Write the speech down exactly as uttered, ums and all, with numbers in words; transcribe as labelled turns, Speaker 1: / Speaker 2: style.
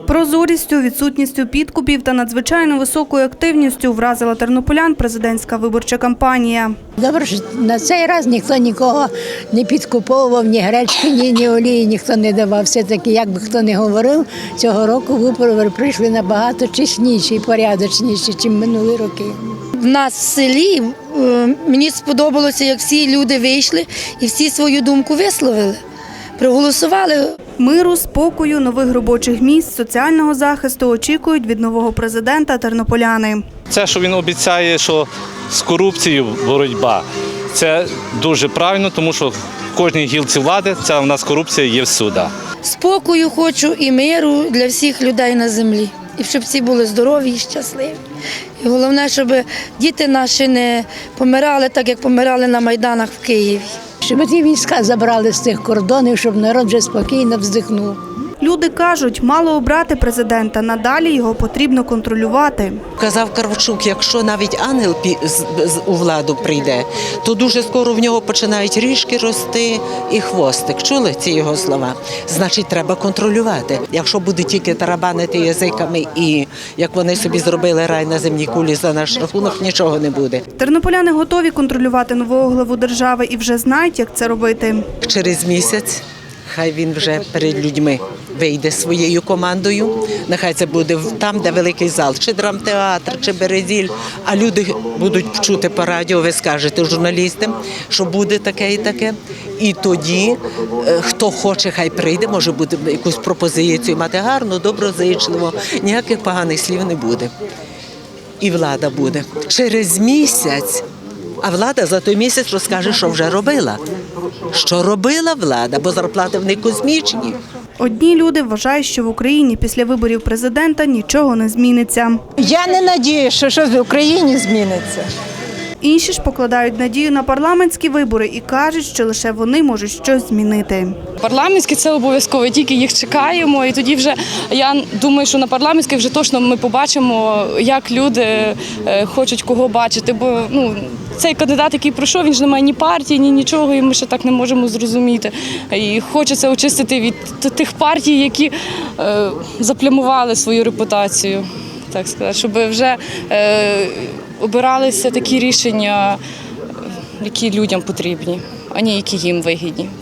Speaker 1: Прозорістю, відсутністю підкупів та надзвичайно високою активністю вразила тернополян президентська виборча кампанія.
Speaker 2: Добре, що на цей раз ніхто нікого не підкуповував, ні гречки, ні, ні олії ніхто не давав. Все-таки, як би хто не говорив, цього року вибори прийшли набагато чесніші і порядочніші, ніж минулі роки.
Speaker 3: В нас в селі мені сподобалося, як всі люди вийшли і всі свою думку висловили, проголосували.
Speaker 1: Миру, спокою, нових робочих місць, соціального захисту очікують від нового президента тернополяни.
Speaker 4: Це, що він обіцяє, що з корупцією боротьба, це дуже правильно, тому що в кожній гілці влади ця у нас корупція є всюди.
Speaker 3: Спокою хочу і миру для всіх людей на землі. І щоб всі були здорові і щасливі. І головне, щоб діти наші не помирали так, як помирали на Майданах в Києві.
Speaker 2: Щоб ті війська забрали з цих кордонів, щоб народ вже спокійно вздихнув.
Speaker 1: Люди кажуть, мало обрати президента, надалі його потрібно контролювати.
Speaker 5: Казав Карвчук, якщо навіть ангел у владу прийде, то дуже скоро в нього починають ріжки рости і хвостик. Чули ці його слова? Значить, треба контролювати. Якщо буде тільки тарабанити язиками і, як вони собі зробили рай на земній кулі за наш рахунок, нічого не буде.
Speaker 1: Тернополяни готові контролювати нового главу держави і вже знають, як це робити.
Speaker 5: Через місяць хай він вже перед людьми вийде своєю командою. Нехай це буде там, де великий зал, чи драмтеатр, чи Березіль. А люди будуть чути по радіо, ви скажете журналістам, що буде таке і таке. І тоді, хто хоче, хай прийде, може буде якусь пропозицію мати гарно, доброзичливо, ніяких поганих слів не буде. І влада буде. Через місяць, а влада за той місяць розкаже, що вже робила. Що робила влада, бо зарплати в них космічні.
Speaker 1: Одні люди вважають, що в Україні після виборів президента нічого не зміниться.
Speaker 6: Я не надіюся, що щось в Україні зміниться.
Speaker 1: Інші ж покладають надію на парламентські вибори і кажуть, що лише вони можуть щось змінити.
Speaker 7: Парламентські – це обов'язково, тільки їх чекаємо. І тоді вже, я думаю, що на парламентських вже точно ми побачимо, як люди хочуть кого бачити. Бо ну, цей кандидат, який пройшов, він ж не має ні партії, ні нічого, і ми ще так не можемо зрозуміти. І хочеться очистити від тих партій, які е, заплямували свою репутацію, так сказати, щоб вже е, обиралися такі рішення, які людям потрібні, а не які їм вигідні.